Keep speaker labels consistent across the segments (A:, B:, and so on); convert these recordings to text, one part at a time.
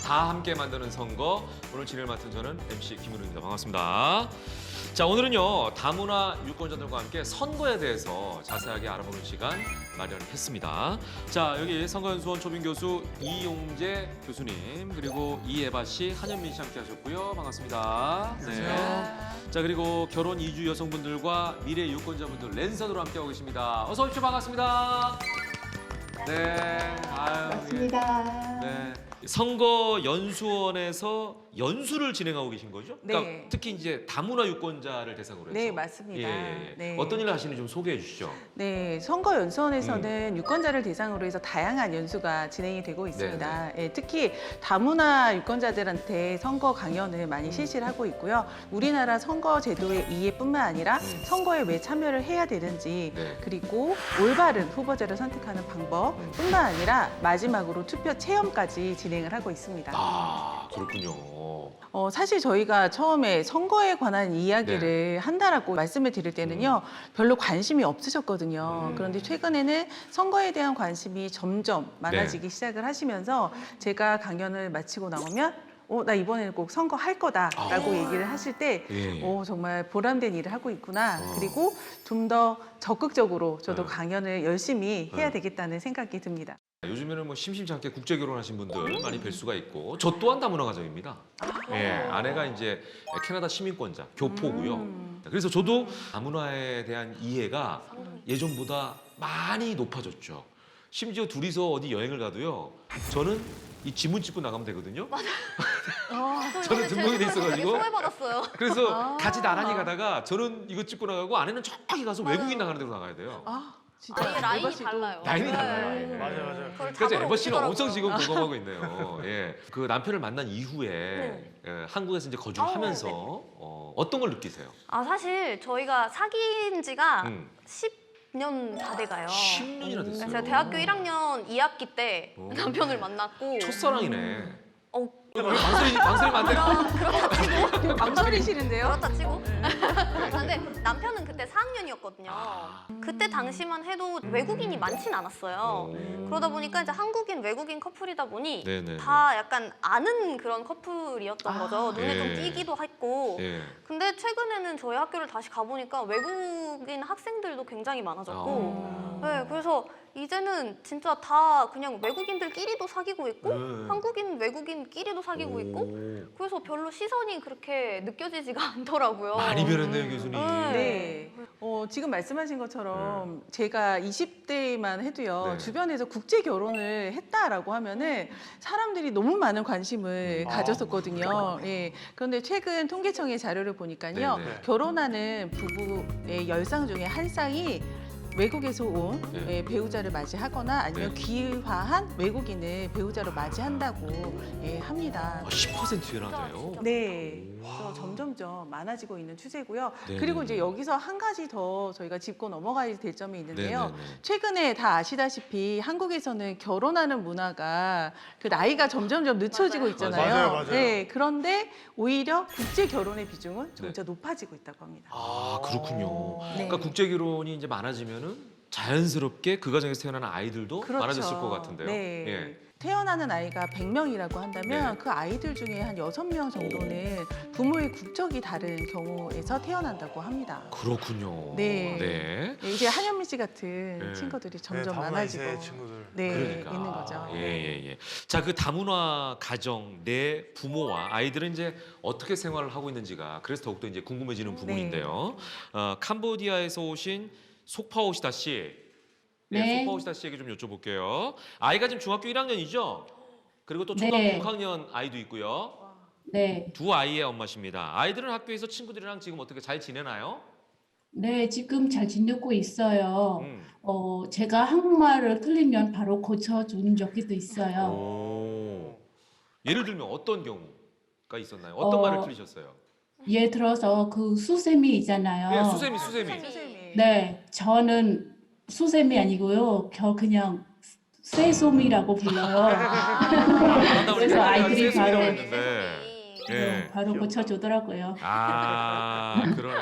A: 다 함께 만드는 선거. 오늘 진행을 맡은 저는 MC 김은우입니다. 반갑습니다. 자, 오늘은요, 다문화 유권자들과 함께 선거에 대해서 자세하게 알아보는 시간 마련했습니다. 자, 여기 선거연수원 초빙 교수 이용재 교수님, 그리고 이예바 씨, 한현민 씨 함께 하셨고요. 반갑습니다. 네. 자, 그리고 결혼 이주 여성분들과 미래 유권자분들 랜선으로 함께하고 계십니다. 어서 오십시오. 반갑습니다. 네. 아유,
B: 맞습니다.
A: 네. 선거 연수원에서 연수를 진행하고 계신 거죠? 그러니까
C: 네.
A: 특히 이제 다문화 유권자를 대상으로 해서.
C: 네, 맞습니다. 네.
A: 어떤 일을 하시는지 좀 소개해 주시죠.
C: 네, 선거연수원에서는 유권자를 대상으로 해서 다양한 연수가 진행이 되고 있습니다. 예, 특히 다문화 유권자들한테 선거 강연을 많이 실시를 하고 있고요. 우리나라 선거 제도의 이해뿐만 아니라 선거에 왜 참여를 해야 되는지,
A: 네.
C: 그리고 올바른 후보자를 선택하는 방법뿐만 아니라 마지막으로 투표 체험까지 진행을 하고 있습니다.
A: 아, 그렇군요.
C: 사실 저희가 처음에 선거에 관한 이야기를
A: 네.
C: 한다라고 말씀을 드릴 때는요, 별로 관심이 없으셨거든요. 그런데 최근에는 선거에 대한 관심이 점점 많아지기 시작을 하시면서 제가 강연을 마치고 나오면 나 이번에는 꼭 선거 할 거다라고 얘기를 하실 때
A: 예.
C: 정말 보람된 일을 하고 있구나. 그리고 좀 더 적극적으로 저도 강연을 열심히 해야 되겠다는 생각이 듭니다.
A: 요즘에는 뭐 심심치 않게 국제 결혼하신 분들 많이 뵐 수가 있고, 저 또한 다문화 가정입니다. 예, 아내가 이제 캐나다 시민권자, 교포고요. 그래서 저도 다문화에 대한 이해가 예전보다 많이 높아졌죠. 심지어 둘이서 어디 여행을 가도요, 저는 이 지문 찍고 나가면 되거든요. 저는 등록이 돼 있어가지고.
D: 소외받았어요.
A: 그래서 같이 나란히 가다가 저는 이거 찍고 나가고 아내는 저기 가서 외국인 나가는 데로 나가야 돼요.
C: 진짜
D: 아니 라인이
C: 에바 씨도
D: 달라요.
A: 라인이
D: 네.
A: 달라요. 예.
E: 맞아요.
A: 그래서 에버 씨는
D: 오시더라고요.
A: 엄청 지금 공감하고 있네요. 예. 그 남편을 만난 이후에 한국에서 이제 거주를 하면서 어떤 걸 느끼세요?
D: 사실 저희가 사귄 지가
A: 음.
D: 10년 다 돼가요.
A: 10년이나 됐어요.
D: 제가 대학교 1학년 2학기 때
A: 오.
D: 남편을 만났고
A: 첫사랑이네.
D: 어,
A: 망설이면 안 돼.
C: 망설이시는데요?
D: 그렇다 치고. 근데 남편은 그때 4학년이었거든요. 그때 당시만 해도 외국인이 많진 않았어요. 그러다 보니까 이제 한국인 외국인 커플이다 보니
A: 네네.
D: 다 약간 아는 그런 커플이었던 거죠. 눈에 좀
A: 예.
D: 띄기도 했고.
A: 예.
D: 근데 최근에는 저희 학교를 다시 가보니까 외국인 학생들도 굉장히 많아졌고 네, 그래서 이제는 진짜 다 그냥 외국인들끼리도 사귀고 있고 한국인 외국인끼리도 사귀고 있고 그래서 별로 시선이 그렇게 느껴지지가 않더라고요.
A: 많이 변했네요, 교수님.
C: 네. 지금 말씀하신 것처럼 제가 20대만 해도요,
A: 네.
C: 주변에서 국제 결혼을 했다라고 하면은 사람들이 너무 많은 관심을 가졌었거든요. 예. 그런데 최근 통계청의 자료를 보니까요,
A: 네네.
C: 결혼하는 부부의 10쌍 중에 한 쌍이 외국에서 온
A: 네.
C: 배우자를 맞이하거나 아니면
A: 네.
C: 귀화한 외국인을 배우자로 맞이한다고 합니다.
A: 10%나 돼요.
D: 진짜.
C: 네, 그래서 점점점 많아지고 있는 추세고요.
A: 네.
C: 그리고 이제 여기서 한 가지 더 저희가 짚고 넘어가야 될 점이 있는데요.
A: 네네네.
C: 최근에 다 아시다시피 한국에서는 결혼하는 문화가 그 나이가 점점점 늦춰지고 있잖아요.
E: 맞아요.
C: 네, 그런데 오히려 국제 결혼의 비중은 점차 높아지고 있다고 합니다.
A: 아, 그렇군요.
C: 네.
A: 그러니까 국제 결혼이 이제 많아지면은 자연스럽게 그 가정에서 태어나는 아이들도
C: 그렇죠.
A: 많아졌을 것 같은데요.
C: 네.
A: 예.
C: 태어나는 아이가 100명이라고 한다면
A: 네.
C: 그 아이들 중에 한 6명 정도는 부모의 국적이 다른 경우에서 태어난다고 합니다.
A: 그렇군요.
C: 네.
A: 네.
C: 네, 이제 한현민 씨 같은
A: 네.
C: 친구들이 점점
E: 다문화
C: 많아지고
E: 이세 친구들.
C: 네,
A: 그러니까.
C: 있는 거죠.
A: 예. 자, 그 다문화 가정 내 부모와 아이들은 이제 어떻게 생활을 하고 있는지가 그래서 더욱더 이제 궁금해지는 부분인데요. 캄보디아에서 오신 속파오시다 씨.
B: 네.
A: 속파오시다 씨에게 좀 여쭤볼게요. 아이가 지금 중학교 1학년이죠? 그리고 또 초등학교
B: 네.
A: 6학년 아이도 있고요.
B: 네.
A: 두 아이의 엄마십니다. 아이들은 학교에서 친구들이랑 지금 어떻게 잘 지내나요?
B: 네, 지금 잘 지내고 있어요.
A: 음.
B: 제가 한국말을 틀리면 바로 고쳐준 적도 있어요.
A: 오. 예를 들면 어떤 경우가 있었나요? 어떤 말을 틀리셨어요?
B: 예를 들어서 그 수세미 있잖아요.
A: 예, 수세미.
C: 선생님이.
B: 네, 저는 수세미 아니고요. 그냥 쇠소미라고 불러요. 그래서 아이들이 바로
A: 예.
B: 바로 고쳐주더라고요.
A: 그러네.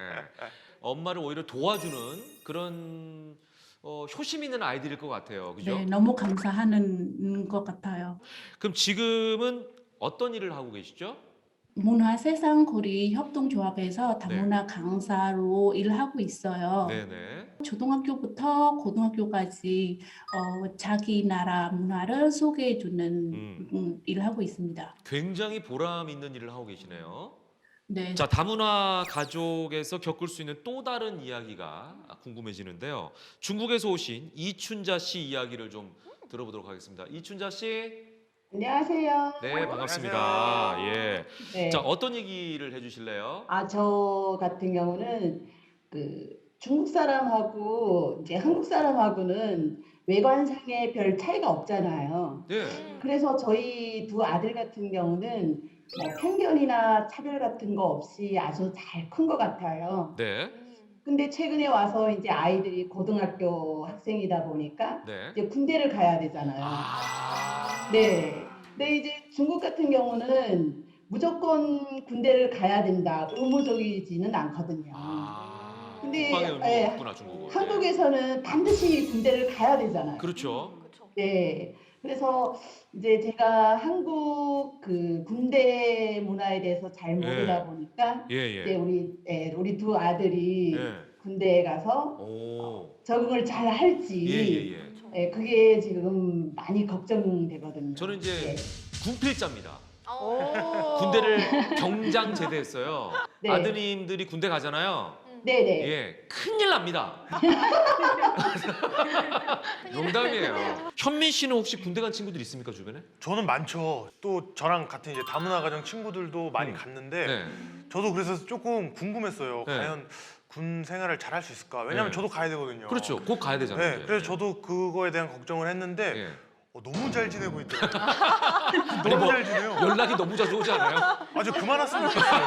A: 엄마를 오히려 도와주는 그런 효심 있는 아이들일 것 같아요. 그죠?
B: 네, 너무 감사하는 것 같아요.
A: 그럼 지금은 어떤 일을 하고 계시죠?
B: 문화세상거리 협동조합에서 다문화 강사로 일하고 있어요.
A: 네네.
B: 초등학교부터 고등학교까지 자기 나라 문화를 소개해주는 일을 하고 있습니다.
A: 굉장히 보람 있는 일을 하고 계시네요.
B: 네.
A: 자, 다문화 가족에서 겪을 수 있는 또 다른 이야기가 궁금해지는데요. 중국에서 오신 이춘자 씨 이야기를 좀 들어보도록 하겠습니다. 이춘자 씨,
E: 안녕하세요.
A: 네, 반갑습니다. 예.
E: 네.
A: 자, 어떤 얘기를 해주실래요?
E: 저 같은 경우는 중국 사람하고 이제 한국 사람하고는 외관상에 별 차이가 없잖아요.
A: 네.
E: 그래서 저희 두 아들 같은 경우는 뭐 편견이나 차별 같은 거 없이 아주 잘 큰 것 같아요.
A: 네.
E: 근데 최근에 와서 이제 아이들이 고등학교 학생이다 보니까
A: 네.
E: 이제 군대를 가야 되잖아요.
A: 아.
E: 네. 근데 이제 중국 같은 경우는 무조건 군대를 가야 된다, 의무적이지는 않거든요.
A: 아.
E: 근데,
A: 국방의 의무가
E: 예,
A: 없구나, 중국은.
E: 한국에서는 반드시 군대를 가야 되잖아요.
A: 그렇죠.
D: 그렇죠.
E: 네. 그래서 이제 제가 한국 군대 문화에 대해서 잘 모르다 보니까
A: 예,
E: 이제
A: 예.
E: 우리 두 아들이
A: 예.
E: 군대에 가서
A: 오.
E: 적응을 잘 할지
A: 예, 예, 예.
D: 그렇죠.
E: 그게 지금 많이 걱정되거든요.
A: 저는 이제
E: 네.
A: 군필자입니다.
D: 어.
A: 군대를 경장 제대했어요.
E: 네.
A: 아드님들이 군대 가잖아요.
E: 네네.
A: 예, 큰일 납니다. 농담이에요. 현민 씨는 혹시 군대 간 친구들 있습니까, 주변에?
F: 저는 많죠. 또 저랑 같은 이제 다문화 가정 친구들도 많이 갔는데
A: 네.
F: 저도 그래서 조금 궁금했어요.
A: 네.
F: 과연 군 생활을 잘 할 수 있을까? 왜냐면
A: 네.
F: 저도 가야 되거든요.
A: 그렇죠. 곧 가야 되잖아요.
F: 네,
A: 이제.
F: 그래서 저도 그거에 대한 걱정을 했는데
A: 예.
F: 너무 잘 지내고 있더라고요.
A: 아니,
F: 너무
A: 뭐
F: 잘 지내요.
A: 연락이 너무 자주 오지 않아요?
F: 아주 그만 왔으면 좋겠어요.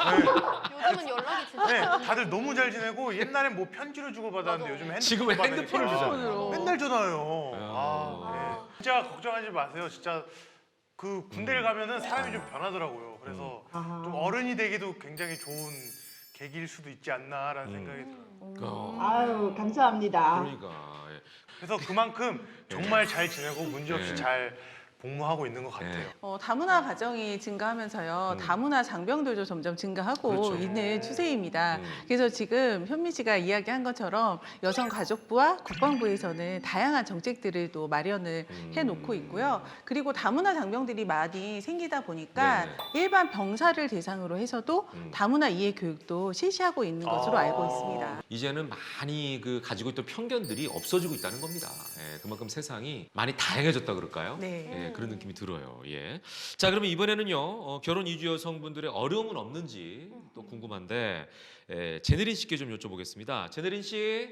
D: 요즘은 연락이 진짜.
F: 네. 네, 다들 너무 잘 지내고 옛날엔 뭐 편지를 주고 받았는데
D: 맞아.
F: 요즘
A: 지금은 핸드폰을 주잖아요.
F: 맨날 전화해요.
A: 아.
F: 네. 진짜 걱정하지 마세요. 진짜 그 군대를 가면은 사람이 좀 변하더라고요. 그래서 좀 어른이 되기도 굉장히 좋은 계기일 수도 있지 않나라는 생각이 들어요.
E: 아유, 감사합니다.
A: 그러니까. 예.
F: 그래서 그만큼 정말 잘 지내고 문제없이
A: 네.
F: 잘 복무하고 있는 것 같아요.
A: 네.
C: 다문화 가정이 증가하면서요. 다문화 장병들도 점점 증가하고
A: 그렇죠.
C: 있는 추세입니다.
A: 음.
C: 그래서 지금 현미 씨가 이야기한 것처럼 여성가족부와 국방부에서는 다양한 정책들을 또 마련을 해놓고 있고요. 그리고 다문화 장병들이 많이 생기다 보니까
A: 네네.
C: 일반 병사를 대상으로 해서도 다문화 이해 교육도 실시하고 있는 것으로 알고 있습니다.
A: 이제는 많이 가지고 있던 편견들이 없어지고 있다는 겁니다. 예, 그만큼 세상이 많이 다양해졌다 그럴까요?
C: 네.
A: 예, 그런 느낌이 들어요. 예. 자, 그러면 이번에는요, 결혼 이주 여성분들의 어려움은 없는지 또 궁금한데, 제네린 씨께 좀 여쭤보겠습니다. 제네린 씨.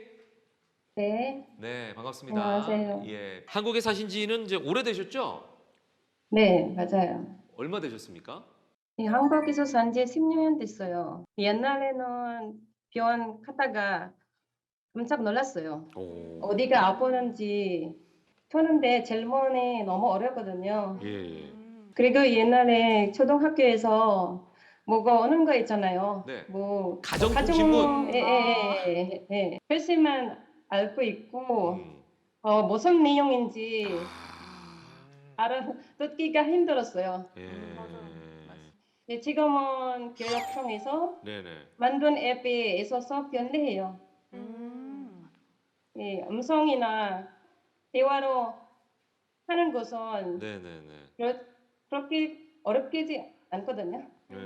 G: 네,
A: 네, 반갑습니다.
G: 안녕하세요.
A: 예. 한국에 사신 지는 이제 오래되셨죠?
G: 네, 맞아요.
A: 얼마 되셨습니까?
G: 이 한국에서 산 지 10년 됐어요. 옛날에는 병원 갔다가 깜짝 놀랐어요.
A: 오.
G: 어디가 아프는지 푸는데 질문이 너무 어렵거든요.
A: 예, 예.
G: 그리고 옛날에 초등학교에서 뭐가 오는 거 있잖아요.
A: 네.
G: 뭐
A: 가정통신문.
G: 예. 글씨만 알고 있고
A: 음.
G: 무슨 내용인지 알아듣기가 힘들었어요.
A: 예.
G: 네, 지금은 교육청에서
A: 네네.
G: 만든 앱에 있어서 편리해요. 예, 음성이나 대화로 하는 것은
A: 네네네.
G: 그렇게 어렵지 않거든요.
A: 예.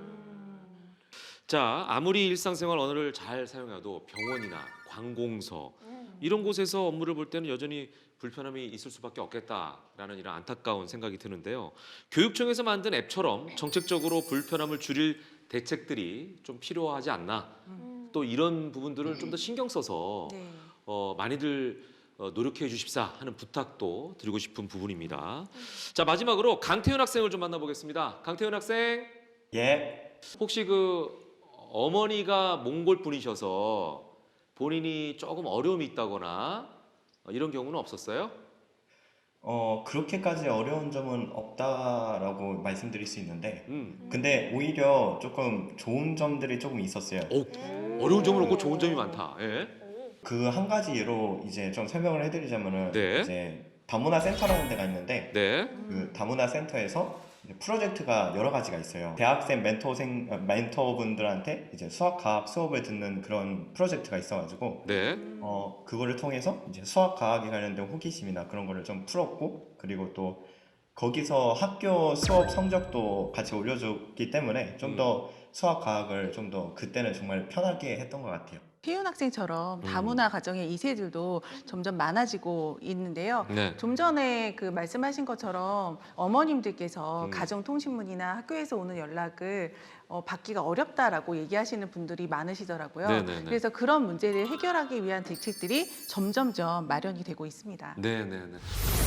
A: 자, 아무리 일상생활 언어를 잘 사용해도 병원이나 관공서 이런 곳에서 업무를 볼 때는 여전히 불편함이 있을 수밖에 없겠다라는 이런 안타까운 생각이 드는데요. 교육청에서 만든 앱처럼 정책적으로 불편함을 줄일 대책들이 좀 필요하지 않나. 또 이런 부분들을 좀 더 신경 써서
C: 네.
A: 많이들 노력해 주십사 하는 부탁도 드리고 싶은 부분입니다. 자, 마지막으로 강태윤 학생을 좀 만나보겠습니다. 강태윤 학생.
H: 예,
A: 혹시 어머니가 몽골 분이셔서 본인이 조금 어려움이 있다거나 이런 경우는 없었어요?
H: 그렇게까지 어려운 점은 없다라고 말씀드릴 수 있는데,
A: 음.
H: 근데 오히려 조금 좋은 점들이 조금 있었어요.
A: 어려운 점은 없고 좋은 점이 많다. 예.
H: 그 한 가지 예로 이제 좀 설명을 해드리자면은
A: 네.
H: 이제 다문화 센터라는 데가 있는데
A: 네.
H: 그 다문화 센터에서 프로젝트가 여러 가지가 있어요. 대학생 멘토분들한테 이제 수학과학 수업을 듣는 그런 프로젝트가 있어가지고
A: 네.
H: 그거를 통해서 이제 수학과학에 관련된 호기심이나 그런 거를 좀 풀었고, 그리고 또 거기서 학교 수업 성적도 같이 올려줬기 때문에 좀 더 수학과학을 좀 더 그때는 정말 편하게 했던 것 같아요.
C: 희윤 학생처럼 다문화 가정의 2세들도 점점 많아지고 있는데요.
A: 네.
C: 좀 전에 그 말씀하신 것처럼 어머님들께서 가정통신문이나 학교에서 오는 연락을 받기가 어렵다라고 얘기하시는 분들이 많으시더라고요.
A: 네네네.
C: 그래서 그런 문제를 해결하기 위한 대책들이 점점점 마련이 되고 있습니다.
A: 네, 네, 네.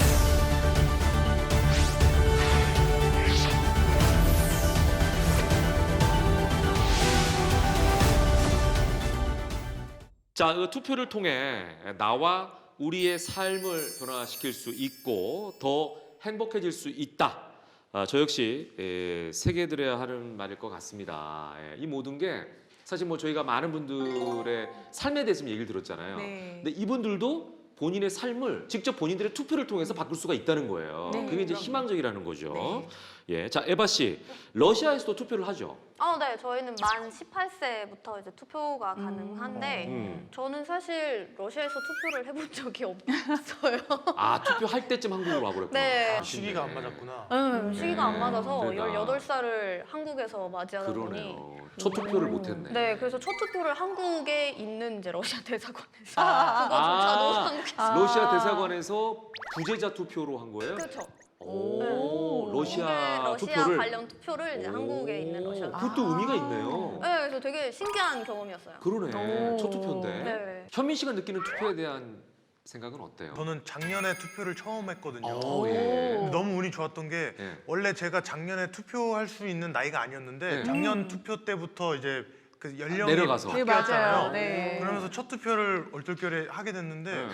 A: 자, 그 투표를 통해 나와 우리의 삶을 변화시킬 수 있고 더 행복해질 수 있다. 저 역시 새겨들어야 하는 말일 것 같습니다. 이 모든 게 사실 뭐 저희가 많은 분들의 삶에 대해서 얘기를 들었잖아요.
C: 네.
A: 근데 이분들도 본인의 삶을 직접 본인들의 투표를 통해서 바꿀 수가 있다는 거예요.
C: 네,
A: 그게 이제
C: 그럼요.
A: 희망적이라는 거죠.
C: 네.
A: 예, 자 에바 씨, 러시아에서도 투표를 하죠.
D: 네, 저희는 만 18세부터 이제 투표가 가능한데 저는 사실 러시아에서 투표를 해본 적이 없어요.
A: 아 투표할 때쯤 한국으로 와버렸구나.
D: 네.
A: 아,
F: 시기가 안 맞았구나.
D: 시기가 안 맞아서
A: 그러니까.
D: 18살을 한국에서 맞이하다 보니
A: 그러네요. 첫 투표를 못했네.
D: 네, 그래서 첫 투표를 한국에 있는 이제 러시아 대사관에서 그거조차도 한국에서
A: 러시아 대사관에서 부재자 투표로 한 거예요?
D: 그렇죠.
A: 오, 러시아
D: 러시아
A: 투표를.
D: 관련 투표를 이제 한국에 있는 러시아.
A: 그것도 의미가 있네요.
D: 네, 그래서 되게 신기한 경험이었어요.
A: 그러네.
C: 오.
A: 첫 투표인데.
D: 네.
A: 현민 씨가 느끼는 투표에 대한 생각은 어때요?
F: 저는 작년에 투표를 처음 했거든요.
A: 예.
F: 근데 너무 운이 좋았던 게
A: 예.
F: 원래 제가 작년에 투표할 수 있는 나이가 아니었는데
A: 네.
F: 작년 투표 때부터 이제 그 연령이
A: 내려가서.
C: 네,
F: 바뀌었잖아요.
C: 맞아요. 네.
F: 그러면서 첫 투표를 얼떨결에 하게 됐는데
A: 네.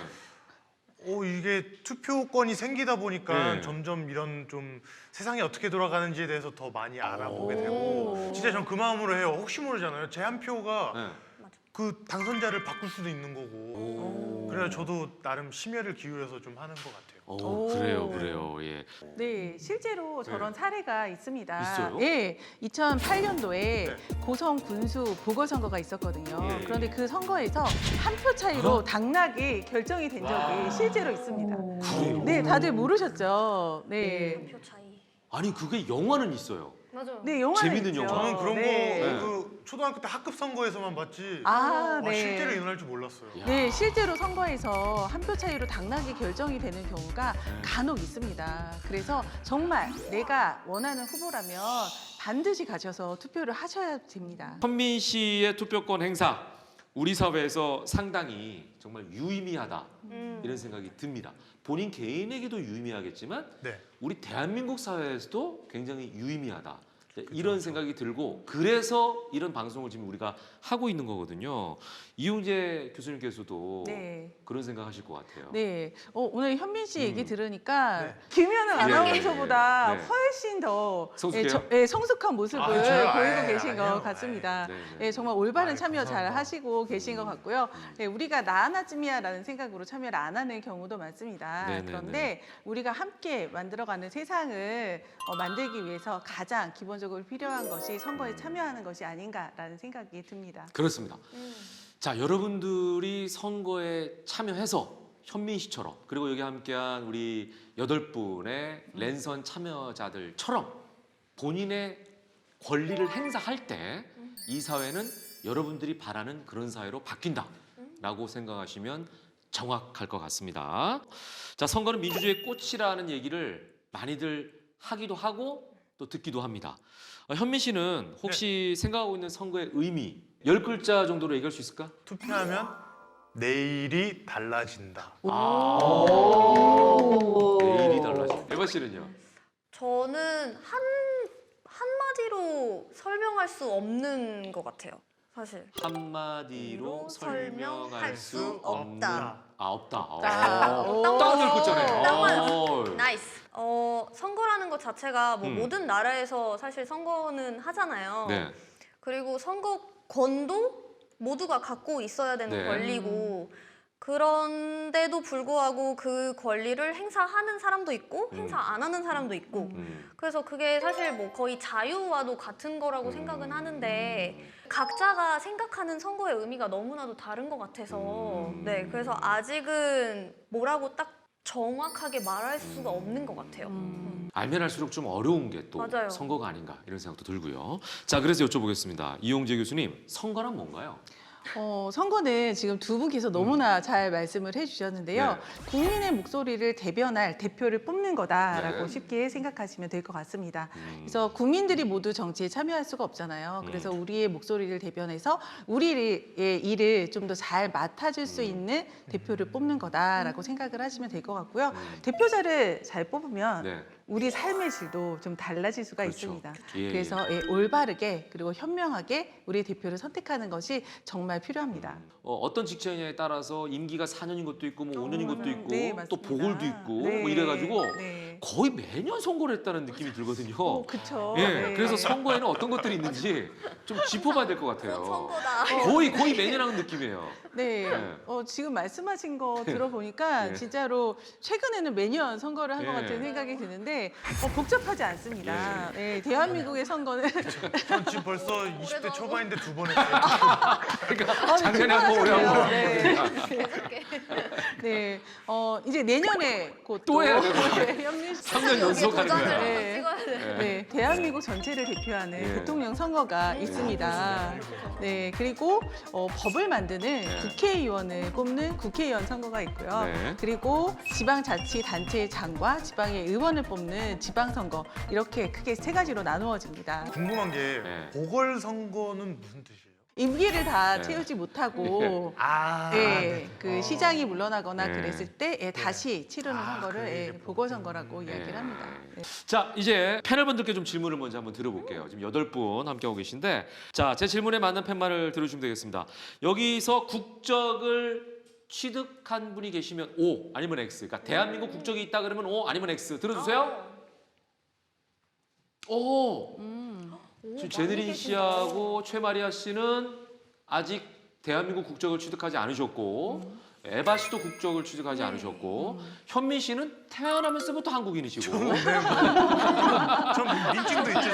F: 이게 투표권이 생기다 보니까
A: 네.
F: 점점 이런 좀 세상이 어떻게 돌아가는지에 대해서 더 많이 알아보게
A: 오.
F: 되고 진짜 전 그 마음으로 해요. 혹시 모르잖아요. 제 한 표가
A: 네.
F: 그 당선자를 바꿀 수도 있는 거고. 그래서 저도 나름 심혈을 기울여서 좀 하는 것 같아요.
C: 오.
A: 그래요. 예.
C: 네, 실제로 저런 사례가 있습니다.
A: 있어요?
C: 예, 2008년도에
F: 네.
C: 고성 군수 보궐선거가 있었거든요.
A: 예.
C: 그런데 그 선거에서 한 표 차이로 당락이 결정이 된 적이 실제로 있습니다.
A: 그래요?
C: 네, 다들 모르셨죠? 네.
D: 표 차이.
A: 아니 그게 영화는 있어요.
D: 맞아요.
C: 네, 영화는
A: 재밌는
C: 있죠.
A: 영화.
F: 저는 그런
C: 네.
F: 거 그 초등학교 때 학급 선거에서만 봤지
C: 아, 네.
F: 실제로 일어날 줄 몰랐어요.
A: 야.
C: 네, 실제로 선거에서 한 표 차이로 당락이 결정이 되는 경우가 간혹 있습니다. 그래서 정말 내가 원하는 후보라면 반드시 가셔서 투표를 하셔야 됩니다.
A: 현민 씨의 투표권 행사 우리 사회에서 상당히 정말 유의미하다 이런 생각이 듭니다. 본인 개인에게도 유의미하겠지만
F: 네.
A: 우리 대한민국 사회에서도 굉장히 유의미하다. 이런 생각이 들고 그래서 이런 방송을 지금 우리가 하고 있는 거거든요. 이용재 교수님께서도
C: 네.
A: 그런 생각하실 것 같아요.
C: 네, 오늘 현민 씨 얘기 들으니까
F: 네.
C: 김연아 아나운서보다
A: 네.
C: 훨씬 더
A: 성숙해요?
C: 성숙한 모습을
F: 아, 저요?
C: 보이고
F: 아이,
C: 계신 것
F: 아니에요.
C: 같습니다.
A: 네, 네.
C: 네, 정말 올바른
F: 아이,
C: 참여 잘
F: 감사합니다.
C: 하시고 계신 것 같고요. 네, 우리가 나 하나쯤이야라는 생각으로 참여를 안 하는 경우도 많습니다.
A: 네, 네,
C: 그런데 우리가 함께 만들어가는 세상을 만들기 위해서 가장 기본적으로 필요한 것이 선거에 참여하는 것이 아닌가라는 생각이 듭니다.
A: 그렇습니다. 자, 여러분들이 선거에 참여해서 현민 씨처럼 그리고 여기 함께한 우리 8분의 랜선 참여자들처럼 본인의 권리를 행사할 때 이 사회는 여러분들이 바라는 그런 사회로 바뀐다라고 생각하시면 정확할 것 같습니다. 자, 선거는 민주주의의 꽃이라는 얘기를 많이들 하기도 하고 또 듣기도 합니다. 현민 씨는 혹시 생각하고 있는 선거의 의미 10글자 정도로 얘기할 수 있을까?
F: 투표하면 내일이 달라진다.
A: 내일이 달라져. 에바 씨는요?
D: 저는 한마디로 설명할 수 없는 것 같아요. 사실.
A: 한마디로 설명할 수 없는
D: 없다.
A: 없다.
C: 오.
A: 딱 10글자네.
D: 딱 맞았어. 나이스. 선거라는 것 자체가 뭐
A: 음.
D: 모든 나라에서 사실 선거는 하잖아요.
A: 네.
D: 그리고 선거권도 모두가 갖고 있어야 되는
A: 네.
D: 권리고 그런데도 불구하고 그 권리를 행사하는 사람도 있고 행사 안 하는 사람도 있고 그래서 그게 사실 뭐 거의 자유와도 같은 거라고 생각은 하는데 각자가 생각하는 선거의 의미가 너무나도 다른 것 같아서 네, 그래서 아직은 뭐라고 딱 정확하게 말할 수가 없는 것 같아요.
A: 알면 할수록 좀 어려운 게 또
D: 맞아요.
A: 선거가 아닌가 이런 생각도 들고요. 자, 그래서 여쭤보겠습니다. 이용재 교수님, 선거란 뭔가요?
C: 선거는 지금 두 분께서 너무나 잘 말씀을 해주셨는데요.
A: 네.
C: 국민의 목소리를 대변할 대표를 뽑는 거다라고
A: 네.
C: 쉽게 생각하시면 될 것 같습니다. 그래서 국민들이 모두 정치에 참여할 수가 없잖아요. 그래서 우리의 목소리를 대변해서 우리의 일을 좀 더 잘 맡아줄 수 있는 대표를 뽑는 거다라고 생각을 하시면 될 것 같고요. 대표자를 잘 뽑으면
A: 네.
C: 우리 삶의 질도 좀 달라질 수가
A: 그렇죠.
C: 있습니다.
A: 예,
C: 그래서 올바르게 그리고 현명하게 우리 대표를 선택하는 것이 정말 필요합니다.
A: 어떤 직책이냐에 따라서 임기가 4년인 것도 있고 뭐 5년인 것도 있고
C: 네,
A: 또
C: 맞습니다.
A: 보궐도 있고
C: 네,
A: 뭐 이래가지고
C: 네.
A: 거의 매년 선거를 했다는 느낌이 들거든요.
C: 그렇죠.
A: 예,
C: 네.
A: 그래서 선거에는 어떤 것들이 있는지 좀 짚어봐야 될 것 같아요.
D: 선거다.
A: 거의 매년 하는 느낌이에요.
C: 네.
A: 네.
C: 지금 말씀하신 거 들어보니까
A: 네.
C: 진짜로 최근에는 매년 선거를 한 것
A: 네.
C: 같은 생각이 드는데 복잡하지 않습니다. 네, 대한민국의 선거는
F: 전 지금 벌써 20대
D: 올해도
F: 초반인데 2번 했어요.
A: 그러니까 작년에 한 번, 올해 한 번.
C: 네. 네. 이제 내년에 곧
A: 또 해야 되고.
C: 현민
A: 3년 연속 하는 거야.
C: 네.
D: 찍어야 돼.
C: 네, 대한민국 전체를 대표하는
A: 예.
C: 대통령 선거가 있습니다. 네, 그리고 법을 만드는 국회의원을 뽑는 국회의원 선거가 있고요.
A: 네.
C: 그리고 지방자치단체장과 지방의 의원을 뽑는 지방선거 이렇게 크게 세 가지로 나누어집니다.
F: 궁금한 게
A: 네.
F: 보궐선거는 무슨 뜻이에요?
C: 임기를 다
A: 네.
C: 채우지 못하고 그 시장이 물러나거나
A: 네.
C: 그랬을 때 다시 치르는 선거를
F: 그게 이제
C: 보궐선거라고 이야기를 합니다. 네.
A: 자, 이제 패널분들께 좀 질문을 먼저 한번 드려볼게요. 지금 8분 함께하고 계신데, 자, 제 질문에 맞는 팻말을 들어주시면 되겠습니다. 여기서 국적을 취득한 분이 계시면 O 아니면 X. 그러니까 대한민국 국적이 있다 그러면 O 아니면 X. 들어주세요. 오. 지금 제네린 씨하고 최마리아 씨는 아직 대한민국 국적을 취득하지 않으셨고 에바 씨도 국적을 취득하지 않으셨고 현민 씨는 태어나면서부터 한국인이시고
F: 전 민증도 있죠.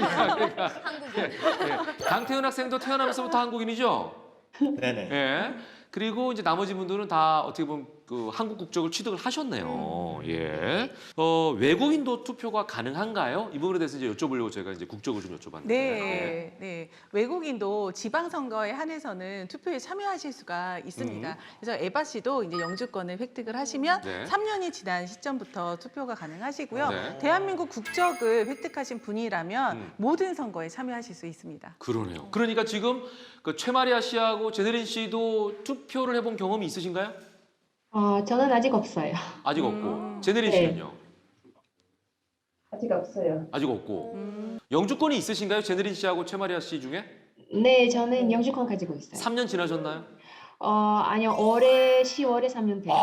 A: 예. 강태훈 학생도 태어나면서부터 한국인이죠.
H: 네네.
A: 예. 그리고 이제 나머지 분들은 다 어떻게 보면 그 한국 국적을 취득을 하셨네요. 예. 외국인도 투표가 가능한가요? 이 부분에 대해서 이제 여쭤보려고 제가 이제 국적을 좀 여쭤봤는데.
C: 네, 네. 외국인도 지방선거에 한해서는 투표에 참여하실 수가 있습니다. 그래서 에바 씨도 이제 영주권을 획득을 하시면
A: 네.
C: 3년이 지난 시점부터 투표가 가능하시고요.
A: 네.
C: 대한민국 국적을 획득하신 분이라면 모든 선거에 참여하실 수 있습니다.
A: 그러네요. 그러니까 지금 그 최마리아 씨하고 제네린 씨도 투표를 해본 경험이 있으신가요?
I: 저는 아직 없어요.
A: 아직 없고. 제네린
I: 네.
A: 씨는요?
I: 아직 없어요.
A: 아직 없고. 영주권이 있으신가요? 제네린 씨하고 최마리아 씨 중에?
I: 네, 저는 영주권 가지고 있어요.
A: 3년 지나셨나요?
I: 아니요, 올해 10월에 3년 돼요.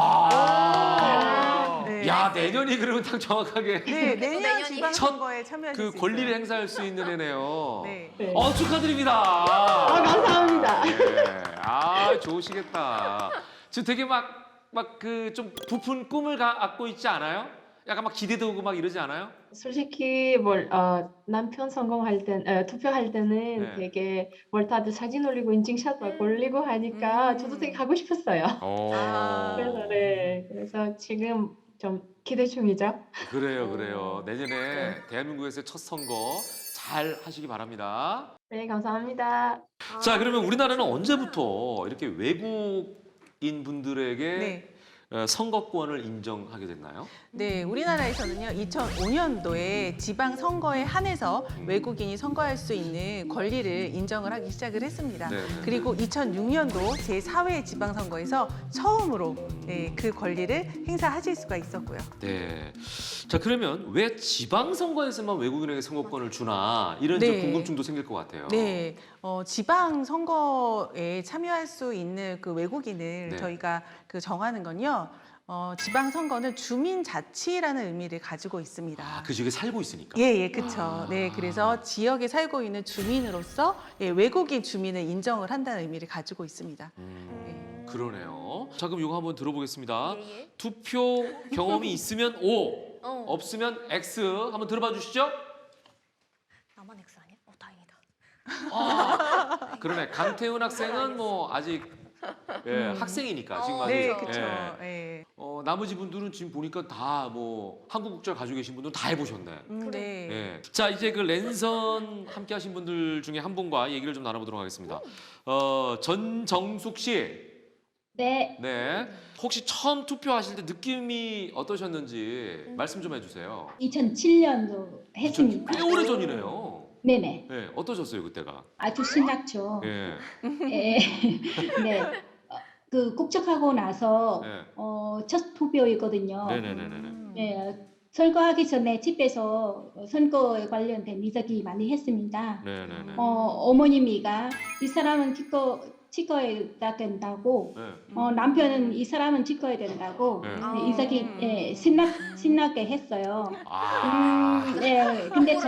C: 네.
A: 야, 내년이 그러면 딱 정확하게
C: 네, 내년
D: 내년이
C: 지방선거에 참여하실
A: 그
C: 수
A: 권리를
C: 있어요.
A: 행사할 수 있는 애네요.
C: 네.
I: 네.
A: 축하드립니다.
I: 감사합니다.
A: 예. 좋으시겠다. 지금 되게 막 그 좀 부푼 꿈을 갖고 있지 않아요? 약간 막 기대도 오고 막 이러지 않아요?
I: 솔직히 남편 투표할 때는
A: 네.
I: 되게 다들 사진 올리고 인증샷 막 올리고 하니까 저도 되게 가고 싶었어요. 그래서 지금 좀 기대 중이죠.
A: 그래요. 내년에 대한민국에서의 첫 선거 잘 하시기 바랍니다.
I: 네, 감사합니다.
A: 자, 그러면 우리나라는 언제부터 이렇게 외국인 분들에게
C: 네.
A: 선거권을 인정하게 됐나요?
C: 네, 우리나라에서는요, 2005년도에 지방선거에 한해서 외국인이 선거할 수 있는 권리를 인정을 하기 시작을 했습니다.
A: 네.
C: 그리고 2006년도 제4회 지방선거에서 처음으로 그 권리를 행사하실 수가 있었고요.
A: 네. 자, 그러면 왜 지방선거에서만 외국인에게 선거권을 주나 이런 좀
C: 네.
A: 궁금증도 생길 것 같아요.
C: 네, 지방선거에 참여할 수 있는 그 외국인을
A: 네.
C: 저희가 정하는 건요, 지방선거는 주민자치라는 의미를 가지고 있습니다.
A: 그 지역에 살고 있으니까.
C: 예, 그렇죠. 네, 그래서 지역에 살고 있는 주민으로서 외국인 주민을 인정을 한다는 의미를 가지고 있습니다.
A: 음.
C: 네.
A: 그러네요. 자, 그럼 이거 한번 들어보겠습니다.
D: 예, 예.
A: 투표 경험이 있으면 O,
D: 어.
A: 없으면 X. 한번 들어봐 주시죠.
D: 나만 X 아니야? 다행이다.
A: 아, 그러네. 강태훈 학생은 뭐 아직 학생이니까 지금 아직.
C: 네,
D: 그쵸.
C: 그렇죠.
A: 예. 나머지 분들은 지금 보니까 다 뭐 한국 국적 가지고 계신 분들은 다 해보셨네.
C: 네.
A: 예. 자, 이제 그 랜선 함께 하신 분들 중에 한 분과 얘기를 좀 나눠보도록 하겠습니다. 전정숙 씨.
I: 네,
A: 네. 혹시 처음 투표하실 때 느낌이 어떠셨는지 말씀 좀 해주세요.
I: 2007년도 했습니다.
A: 꽤 오래 전이네요.
I: 네네.
A: 네. 어떠셨어요, 그때가?
I: 아주 신났죠.
A: 예.
I: 예. 네. 그 국적하고 나서
A: 네.
I: 첫 투표이거든요.
A: 네네네네.
I: 네. 선거하기 전에 집에서 선거에 관련된 이야기 많이 했습니다.
A: 네네네.
I: 어머님이가 이 사람은 찍어야 된다고,
A: 네.
I: 남편은 이 사람은 찍어야 된다고
A: 네.
I: 네, 이야기 신나게 했어요.
A: 아.
I: 네. 근데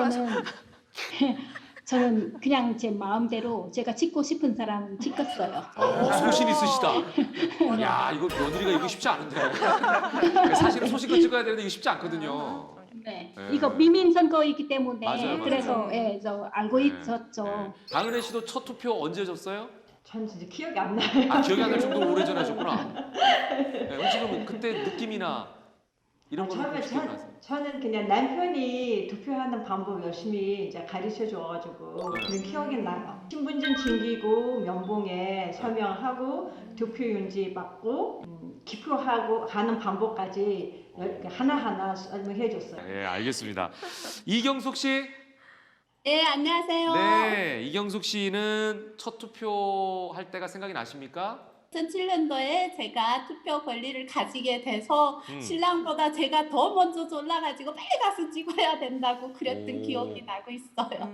I: 저는 그냥 제 마음대로 제가 찍고 싶은 사람 찍었어요.
A: 소신 있으시다. 야, 이거 며느리가 이거 쉽지 않은데. 사실은 소신껏 찍어야 되는데 이거 쉽지 않거든요.
I: 네.
A: 네.
I: 이거 비민 선거이기 때문에
A: 맞아요.
I: 그래서 저 알고 있었죠.
A: 네. 강은혜 씨도 첫 투표 언제 하셨어요?
J: 전 진짜 기억이 안 나요.
A: 아, 기억이 안 날 정도로 오래전에 하셨구나. 네, 혹시 그럼 그때 느낌이나 이런 거는 혹시 기억나세요?
J: 저는 그냥 남편이 투표하는 방법 열심히 이제 가르쳐 줘가지고 그런 기억이 나요. 신분증 챙기고 면봉에 서명하고 투표용지 받고 기표하고 하는 방법까지 하나하나 설명해 줬어요.
A: 네, 알겠습니다. 이경숙 씨.
B: 네, 안녕하세요.
A: 네, 이경숙 씨는 첫 투표할 때가 생각이 나십니까?
B: 2007년도에 제가 투표 권리를 가지게 돼서 신랑보다 제가 더 먼저 졸라가지고 빨리 가서 찍어야 된다고 그랬던
A: 오.
B: 기억이 나고 있어요.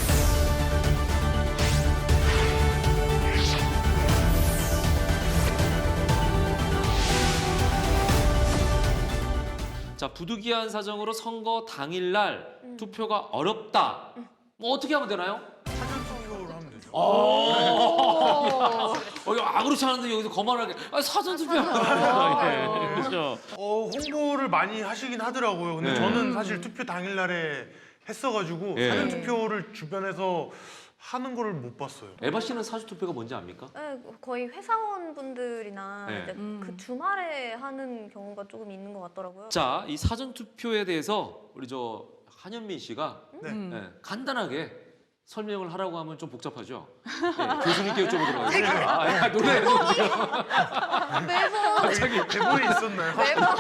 A: 자, 부득이한 사정으로 선거 당일날 투표가 어렵다. 뭐 어떻게 하면 되나요?
F: 사전 투표를 하면 되죠.
A: 이거 아무렇지 않은데 여기서 거만하게 사전 투표하면 그렇죠.
F: 홍보를 많이 하시긴 하더라고요. 근데
A: 네.
F: 저는 사실 투표 당일날에 했어가지고
A: 예.
F: 사전 투표를 주변에서 하는 거를 못 봤어요.
A: 에바 씨는 사전 투표가 뭔지 압니까?
D: 네, 거의 회사원분들이나
A: 네.
D: 이제 그 주말에 하는 경우가 조금 있는 것 같더라고요.
A: 자, 이 사전 투표에 대해서 우리 저 한현민 씨가
F: 네.
A: 간단하게 설명을 하라고 하면 좀 복잡하죠. 네, 교수님께 여쭤보도록 하겠습니다. 놀래요 지금.
D: 매번
A: 갑자기
F: 대본에 있었나요?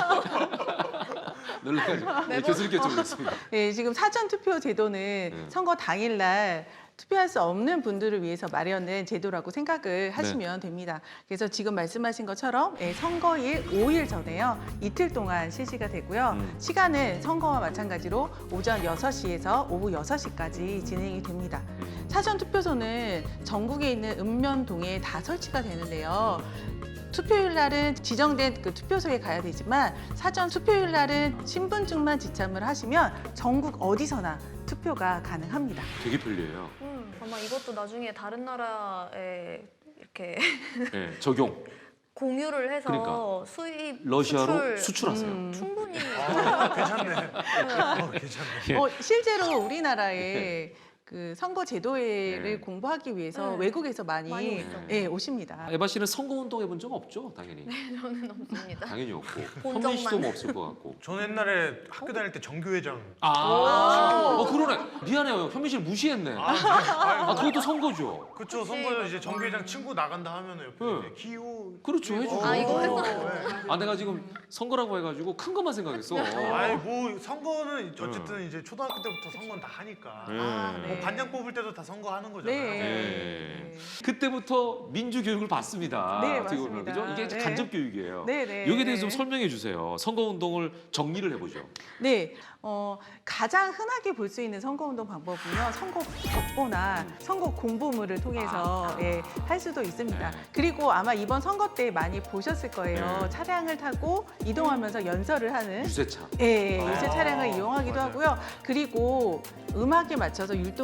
A: 놀래가지고 교수님께 여쭤보겠습니다.
C: 네, 지금 사전 투표 제도는 선거 당일날 투표할 수 없는 분들을 위해서 마련된 제도라고 생각을 하시면 됩니다. 그래서 지금 말씀하신 것처럼 선거일 5일 전에요. 이틀 동안 실시가 되고요. 시간은 선거와 마찬가지로 오전 6시에서 오후 6시까지 진행이 됩니다. 사전 투표소는 전국에 있는 읍면동에 다 설치가 되는데요. 투표일 날은 지정된 그 투표소에 가야 되지만 사전 투표일 날은 신분증만 지참을 하시면 전국 어디서나 투표가 가능합니다.
A: 되게 편리해요.
D: 아마 이것도 나중에 다른 나라에 이렇게
A: 네, 적용.
D: 공유를 해서
A: 그러니까.
D: 수입
A: 러시아로 수출하세요.
D: 충분히
F: 괜찮네. 괜찮네.
C: 실제로 우리나라에 그 선거 제도를 공부하기 위해서 외국에서 많이 오십니다.
A: 에바 씨는 선거 운동 해본 적 없죠, 당연히.
D: 저는 없습니다.
A: 당연히 없고.
D: 본
A: 현민 씨도
D: 적만.
A: 뭐 없을 것 같고.
F: 저는 옛날에 학교 다닐 때 정교회장.
A: 그러네. 미안해요, 현민 씨를 무시했네. 그것도 선거죠.
F: 그쵸, 선거 이제 정교회장 친구 나간다 하면은 옆에 이제 기호.
A: 그렇죠, 해주죠.
D: 이거
F: 했어요.
A: 내가 지금 선거라고 해가지고 큰 것만 생각했어.
F: 아니 뭐 선거는 어쨌든 이제 초등학교 때부터 선거는 다 하니까. 뭐 반장 뽑을 때도 다 선거하는 거잖아요.
C: 네.
A: 그때부터 민주 교육을 받습니다.
C: 네,
A: 어떻게 보면,
C: 맞습니다.
A: 그죠? 이게
C: 네.
A: 간접 교육이에요.
C: 네.
A: 여기에 대해서 좀 설명해 주세요. 선거 운동을 정리를 해보죠.
C: 네, 가장 흔하게 볼 수 있는 선거운동 방법은요, 선거 벽보나 선거 공보물을 통해서 할 수도 있습니다.
A: 네.
C: 그리고 아마 이번 선거 때 많이 보셨을 거예요.
A: 네.
C: 차량을 타고 이동하면서 연설을 하는
A: 유세차.
C: 유세 차량을 이용하기도
F: 맞아요.
C: 하고요. 그리고 음악에 맞춰서 율동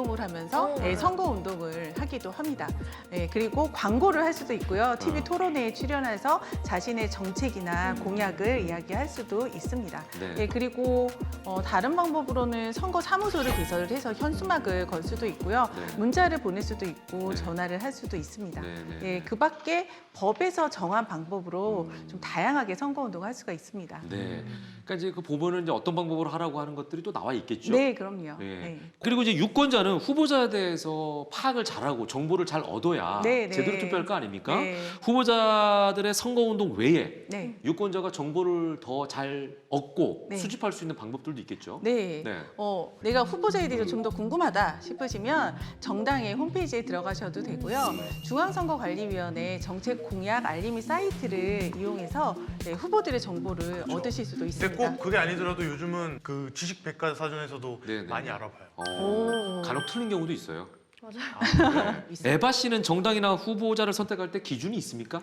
C: 운동을 하면서 선거 운동을 하기도 합니다. 그리고 광고를 할 수도 있고요. TV 토론회에 출연해서 자신의 정책이나 공약을 이야기할 수도 있습니다.
A: 네.
C: 그리고 다른 방법으로는 선거 사무소를 개설을 해서 현수막을 걸 수도 있고요.
A: 네.
C: 문자를 보낼 수도 있고
A: 네.
C: 전화를 할 수도 있습니다.
A: 네.
C: 그 밖에 법에서 정한 방법으로 좀 다양하게 선거 운동을 할 수가 있습니다.
A: 네. 그러니까 이제 그 보면은 이제 어떤 방법으로 하라고 하는 것들이 또 나와 있겠죠.
C: 네, 그럼요.
A: 네.
C: 네.
A: 그리고 이제 유권자는 후보자에 대해서 파악을 잘하고 정보를 잘 얻어야
C: 네, 네.
A: 제대로 투표할 거 아닙니까?
C: 네.
A: 후보자들의 선거운동 외에
C: 네.
A: 유권자가 정보를 더 잘 얻고
C: 네.
A: 수집할 수 있는 방법들도 있겠죠.
C: 네.
A: 네.
C: 내가 후보자에 대해서 좀 더 궁금하다 싶으시면 정당의 홈페이지에 들어가셔도 되고요. 중앙선거관리위원회 정책 공약 알림이 사이트를 이용해서 후보들의 정보를 얻으실 수도
F: 근데
C: 있습니다.
F: 꼭 그게 아니더라도 요즘은 그 지식백과사전에서도
A: 네네.
F: 많이 알아봐요.
A: 간혹 틀린 경우도 있어요.
D: 맞아요.
A: 에바 씨는 정당이나 후보자를 선택할 때 기준이 있습니까?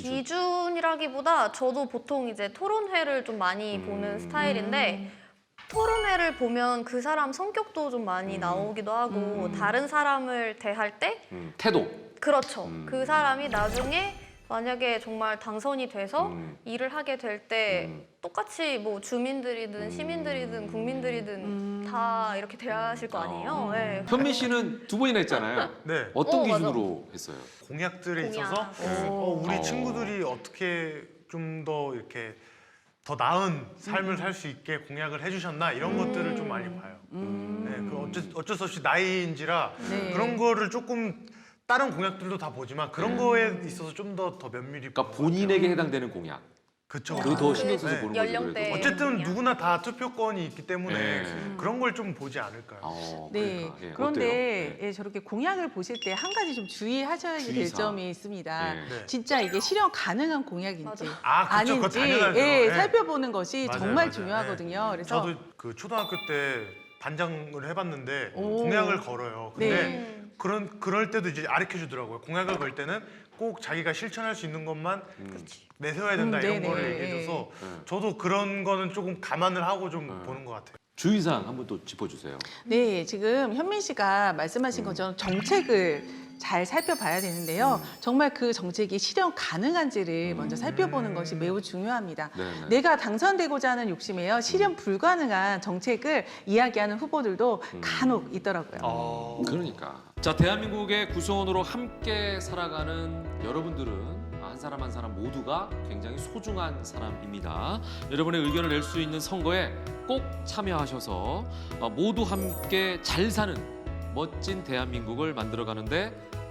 D: 기준이라기보다 저도 보통 이제 토론회를 좀 많이 보는 스타일인데 토론회를 보면 그 사람 성격도 좀 많이 나오기도 하고 다른 사람을 대할 때
A: 태도.
D: 그렇죠. 그 사람이 나중에 만약에 정말 당선이 돼서 일을 하게 될 때 똑같이 뭐 주민들이든 시민들이든 국민들이든 다 이렇게 대하실 거 아니에요. 네.
A: 현민 씨는 두 번이나 했잖아요.
F: 네.
A: 어떤
D: 맞아.
A: 기준으로 했어요?
F: 공약들에
D: 공약.
F: 있어서 우리
A: 어.
F: 친구들이 어떻게 좀 더 이렇게 더 나은 삶을 살 수 있게 공약을 해주셨나 이런 것들을 좀 많이 봐요. 네, 그 어쩔 수 없이 나이인지라
C: 네.
F: 그런 거를 조금 다른 공약들도 다 보지만 그런 거에 있어서 좀 더 면밀히
A: 그러니까 본인에게 해당되는 공약.
F: 그쵸.
A: 그거 더 신경 써서
F: 네.
A: 보는 거죠.
D: 연령대.
A: 그래도.
F: 어쨌든
D: 공약.
F: 누구나 다 투표권이 있기 때문에
A: 네.
F: 그런 걸 좀 보지 않을까요?
C: 네.
A: 그러니까. 예,
C: 그런데
A: 어때요? 네.
C: 저렇게 공약을 보실 때 한 가지 좀 주의하셔야 될
A: 주의사항.
C: 점이 있습니다.
A: 네.
F: 네.
C: 진짜 이게 실현 가능한 공약인지
F: 아, 그쵸. 그거
C: 아닌지
F: 당연하죠.
C: 예,
F: 네.
C: 살펴보는 것이
F: 맞아요,
C: 정말
F: 맞아요.
C: 중요하거든요.
F: 네.
C: 그래서
F: 저도 그 초등학교 때 반장을 해봤는데
C: 오.
F: 공약을 걸어요. 근데
C: 네.
F: 그럴 때도 이제 가르쳐 주더라고요. 공약을 걸 때는 꼭 자기가 실천할 수 있는 것만 내세워야 된다 이런
C: 네네.
F: 거를 얘기해줘서
A: 네.
F: 저도 그런 거는 조금 감안을 하고 좀 보는 것 같아요.
A: 주의사항 한번 또 짚어주세요.
C: 네, 지금 현민 씨가 말씀하신 것처럼 정책을 잘 살펴봐야 되는데요. 정말 그 정책이 실현 가능한지를 먼저 살펴보는 것이 매우 중요합니다.
A: 네네.
C: 내가 당선되고자 하는 욕심에요. 실현 불가능한 정책을 이야기하는 후보들도 간혹 있더라고요.
A: 그러니까. 자, 대한민국의 구성원으로 함께 살아가는 여러분들은 한 사람 한 사람 모두가 굉장히 소중한 사람입니다. 여러분의 의견을 낼 수 있는 선거에 꼭 참여하셔서 모두 함께 잘 사는 멋진 대한민국을 만들어가는데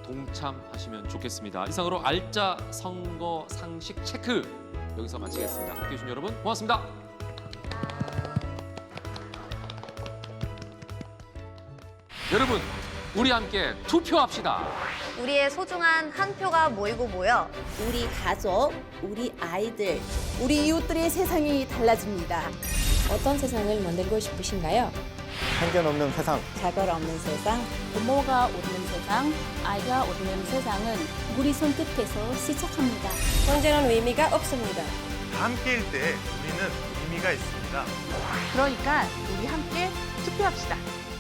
A: 동참하시면 좋겠습니다. 이상으로 알짜 선거 상식 체크 여기서 마치겠습니다. 함께해 주신 여러분 고맙습니다. 여러분, 우리 함께 투표합시다.
D: 우리의 소중한 한 표가 모이고 모여
K: 우리 가족, 우리 아이들, 우리 이웃들의 세상이 달라집니다.
L: 어떤 세상을 만들고 싶으신가요?
H: 편견 없는 세상.
K: 차별 없는 세상, 부모가 웃는 세상, 아이가 웃는 세상은 우리 손끝에서 시작합니다.
L: 경제는 의미가 없습니다.
F: 함께일 때 우리는 의미가 있습니다.
C: 그러니까 우리 함께 투표합시다.